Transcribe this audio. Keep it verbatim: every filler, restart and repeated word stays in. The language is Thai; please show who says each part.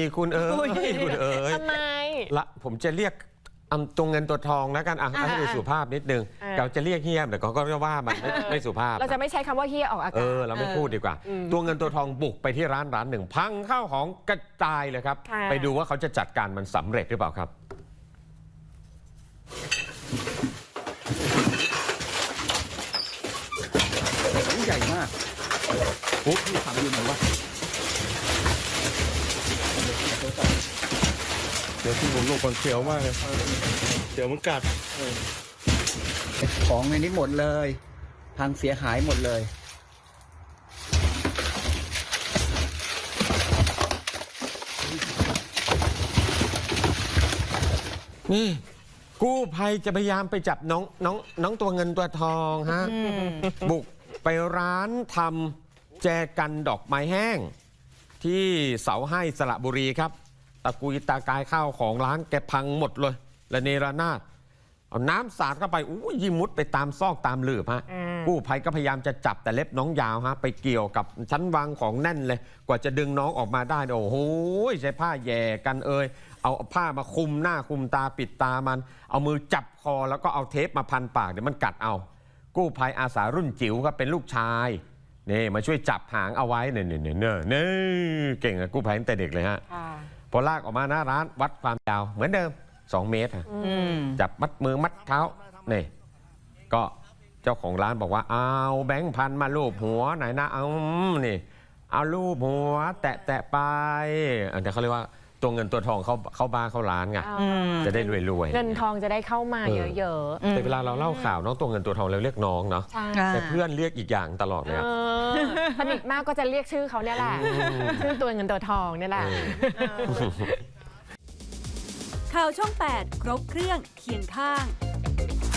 Speaker 1: คุณเอ๋ยคุณเอ๋ย
Speaker 2: ทำไม
Speaker 1: ละผมจะเรียกตัวเงินตัวทองแล้วกันอ่ะให้ดูสุภาพนิดนึงเราจะเรียกเฮียแต่ก็ก็ว่ามันไม่สุภาพ
Speaker 2: เราจะไม่ใช้คำว่าเฮียออกอากาศ
Speaker 1: เออเราไม่พูดดีกว่าตัวเงินตัวทองบุกไปที่ร้านร้านหนึ่งพังข้าวของกระจายเลยครับไปดูว่าเขาจะจัดการมันสำเร็จหรือเปล่าครับ
Speaker 3: ใหญ่มากโอ้พี่ขับอยู่ไหนวะ
Speaker 4: เดี๋ยวที่ผมลงก่อนเขียวมากเลยเดี๋ยวมันกัด
Speaker 3: ของในนี้หมดเลยพังเสียหายหมดเลย
Speaker 1: นี่กู้ภัยจะพยายามไปจับน้องน้องน้องตัวเงินตัวทองฮะบุกไปร้านทำแจกันดอกไม้แห้งที่เสาให้สระบุรีครับตะกุยตากายข้าวของร้านแกพังหมดเลยและเนระนาดเอาน้ำสาดเข้าไปอู้ยิมุดไปตามซอกตามหลืบฮะกู้ภัยก็พยายามจะจับแต่เล็บน้องยาวฮะไปเกี่ยวกับชั้นวางของแน่นเลยกว่าจะดึงน้องออกมาได้โอ้โหใช้ผ้าแย่กันเอ่ยเอาผ้ามาคุมหน้าคุมตาปิดตามันเอามือจับคอแล้วก็เอาเทปมาพันปากเดี๋ยวมันกัดเอากู้ภัยอาสารุ่นจิ๋วครับเป็นลูกชายนี่มาช่วยจับหางเอาไว้เนี่ยเนี่ยเนี่ยเนี่ยเก่งอะกู้ภัยตั้งแต่เด็กเลยฮะพอลากออกมาหน้าร้านวัดความยาวเหมือนเดิมสองเมตรจับมัดมือมัดเท้านี่ก็เจ้าของร้านบอกว่าเอาแบงค์พันมาลูบหัวไหนนะเอานี่เอาลูบหัวแตะแตะไปอันนี้เขาเรียกว่าตัวเงินตัวทองเข้าเข้าบ้านเข้าร้านไงจะได้รวยๆ
Speaker 2: เงินทองจะได้เข้ามาเยอะ
Speaker 1: ๆแต่เวลาเราเล่าข่าวน้องตัวเงินตัวทองเราเรียกน้องเนาะแต่เพื่อนเรียกอีกอย่างตลอดเลย
Speaker 2: สนิทมากก็จะเรียกชื่อเขาเนี่ยแหละชื่อตัวเงินตัวทองเนี่ยแหละ
Speaker 5: ข่าวช่องแปดครบเครื่องเคียงข้าง